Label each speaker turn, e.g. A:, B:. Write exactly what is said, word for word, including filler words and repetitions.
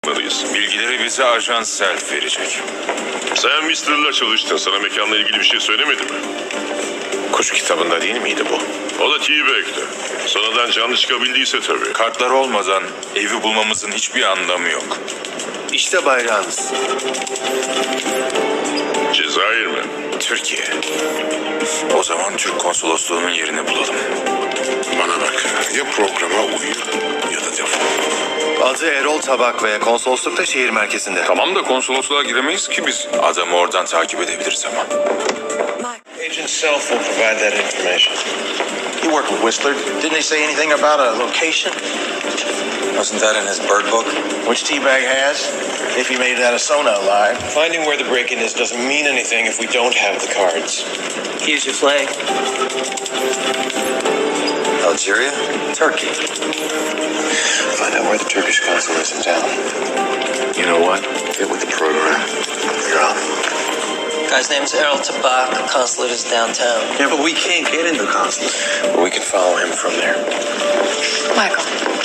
A: yapmalıyız.
B: Bilgileri bize Ajan Self verecek.
A: Sen mister'la çalıştın. Sana mekanla ilgili bir şey söylemedi mi?
C: Kuş kitabında değil miydi bu?
A: O da T-Bag'de. Sonradan canlı çıkabildiyse tabii.
B: Kartlar olmadan evi bulmamızın hiçbir anlamı yok.
C: İşte bayrağınız.
A: Cezayir mi?
B: Türkiye. O zaman Türk konsolosluğunun yerini bulalım.
C: Bana bak, ya programa uyu ya da defol. Adı Erol Tabak ve konsoloslukta şehir merkezinde.
B: Tamam da konsolosluğa giremeyiz ki biz. Adamı oradan takip edebiliriz ama.
D: Agent Self will provide that information. You work with Whistler. Didn't they say anything about a location?
E: Wasn't that in his bird book?
D: Which T-Bag has, if he made it out of Sona alive. Finding where the break-in is doesn't mean anything if we don't have the cards.
F: Here's your flag.
E: Algeria? Turkey.
D: Find out where the Turkish consul is in town.
C: You know what? Get with the program. You're on.
F: Guy's name's Errol Tabak. The consulate is downtown.
D: Yeah, but we can't get in the consulate. But we can follow him from there.
G: Michael,